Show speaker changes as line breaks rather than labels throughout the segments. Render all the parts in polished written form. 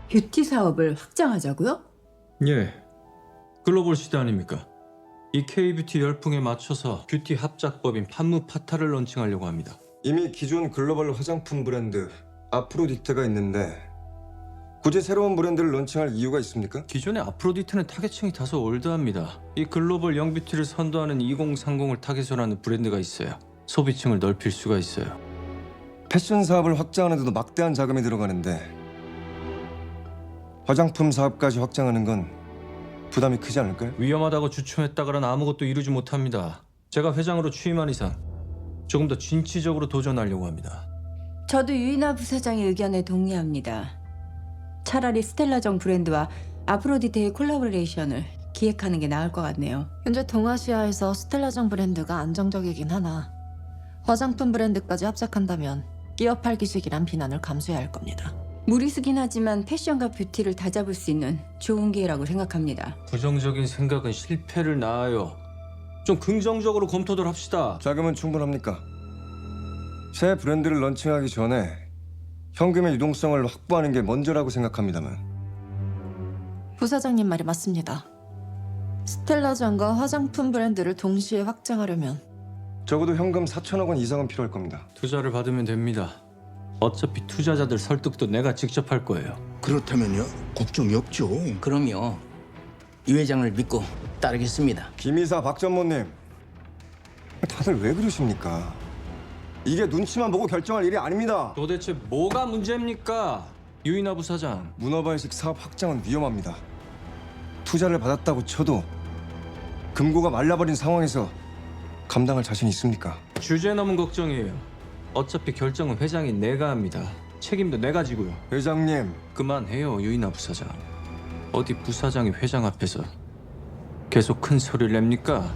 뷰티 사업을 확장하자고요?
예, 글로벌 시대 아닙니까? 이 K-뷰티 열풍에 맞춰서 뷰티 합작법인 판무파타를 런칭하려고 합니다.
이미 기존 글로벌 화장품 브랜드 아프로디테가 있는데 굳이 새로운 브랜드를 런칭할 이유가 있습니까?
기존의 아프로디테는 타겟층이 다소 올드합니다. 이 글로벌 영뷰티를 선도하는 2030을 타겟으로 하는 브랜드가 있어요. 소비층을 넓힐 수가 있어요.
패션 사업을 확장하는 데도 막대한 자금이 들어가는데 화장품 사업까지 확장하는 건 부담이 크지 않을까요?
위험하다고 주춤했다가는 아무것도 이루지 못합니다. 제가 회장으로 취임한 이상 조금 더 진취적으로 도전하려고 합니다.
저도 유인하 부사장의 의견에 동의합니다. 차라리 스텔라정 브랜드와 아프로디테의 콜라보레이션을 기획하는 게 나을 것 같네요.
현재 동아시아에서 스텔라정 브랜드가 안정적이긴 하나 화장품 브랜드까지 합작한다면 끼어 팔기 식이란 비난을 감수해야 할 겁니다.
무리수긴 하지만 패션과 뷰티를 다잡을 수 있는 좋은 기회라고 생각합니다.
부정적인 생각은 실패를 낳아요. 좀 긍정적으로 검토들 합시다.
자금은 충분합니까? 새 브랜드를 런칭하기 전에 현금의 유동성을 확보하는 게 먼저라고 생각합니다만
부사장님 말이 맞습니다. 스텔라정과 화장품 브랜드를 동시에 확장하려면
적어도 현금 4천억 원 이상은 필요할 겁니다.
투자를 받으면 됩니다. 어차피 투자자들 설득도 내가 직접 할 거예요.
그렇다면요? 걱정이 없죠.
그럼요. 이 회장을 믿고 따르겠습니다.
김이사 박 전무님 다들 왜 그러십니까? 이게 눈치만 보고 결정할 일이 아닙니다.
도대체 뭐가 문제입니까? 유인하 부사장.
문어발식 사업 확장은 위험합니다. 투자를 받았다고 쳐도 금고가 말라버린 상황에서 감당할 자신 있습니까?
주제 넘은 걱정이에요. 어차피 결정은 회장이 내가 합니다. 책임도 내가 지고요.
회장님,
그만해요, 유인하 부사장. 어디 부사장이 회장 앞에서 계속 큰 소리를 냅니까?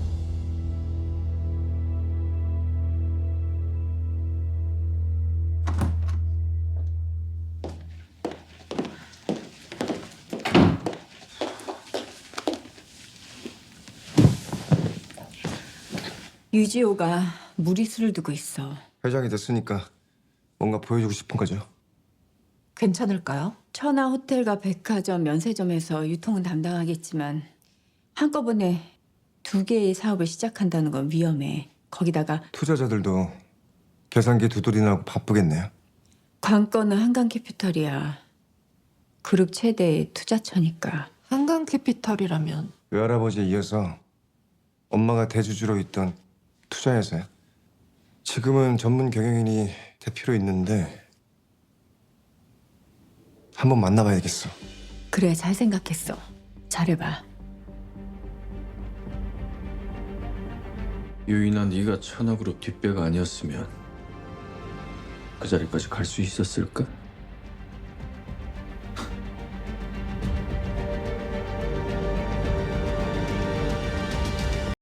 유지호가 무리수를 두고 있어.
회장이 됐으니까 뭔가 보여주고 싶은 거죠.
괜찮을까요?
천하 호텔과 백화점, 면세점에서 유통은 담당하겠지만 한꺼번에 두 개의 사업을 시작한다는 건 위험해. 거기다가
투자자들도 계산기 두드리느라고 바쁘겠네요.
관건은 한강캐피털이야. 그룹 최대의 투자처니까.
한강캐피털이라면
외할아버지에 이어서 엄마가 대주주로 있던 투자회사요. 지금은 전문 경영인이 대표로 있는데 한번 만나봐야겠어.
그래, 잘 생각했어. 잘해봐.
유인하 네가 천하그룹 뒷배가 아니었으면 그 자리까지 갈 수 있었을까?